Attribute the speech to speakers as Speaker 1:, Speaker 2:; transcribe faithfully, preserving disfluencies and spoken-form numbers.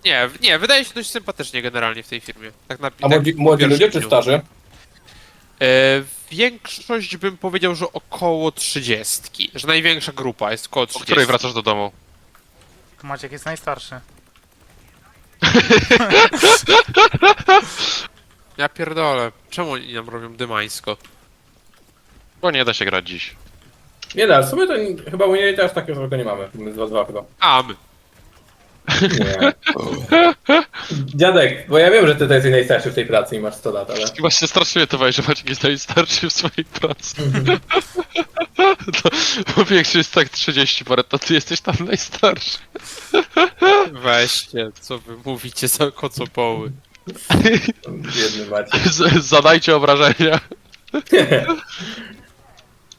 Speaker 1: Nie, nie, wydaje się dość sympatycznie generalnie w tej firmie. Tak na,
Speaker 2: A
Speaker 1: tak
Speaker 2: młodzi,
Speaker 1: po
Speaker 2: młodzi
Speaker 1: pierwszym
Speaker 2: ludzie czy
Speaker 1: dniu.
Speaker 2: starzy?
Speaker 1: E, większość bym powiedział, że około trzydziestki. Że największa grupa jest około
Speaker 3: O
Speaker 1: trzydziestki.
Speaker 3: której wracasz do domu?
Speaker 4: Maciek jest najstarszy.
Speaker 1: Ja pierdolę. Czemu oni nam robią dymańsko?
Speaker 3: Bo nie da się grać dziś.
Speaker 2: Nie da, w sumie to nie- chyba u niej też takiego złego nie mamy. My dwa dwa chyba.
Speaker 1: A, my.
Speaker 2: Nie. Dziadek, bo ja wiem, że ty jesteś najstarszy w tej pracy i masz sto lat, ale...
Speaker 3: Właśnie strasznie mnie to weź, że Maciek jest najstarszy w swojej pracy. to, bo większość jest tak trzydzieści parę, to ty jesteś tam najstarszy.
Speaker 1: Weźcie, co wy mówicie za kocopoły.
Speaker 2: Biedny Maciek.
Speaker 3: Z, zadajcie obrażenia.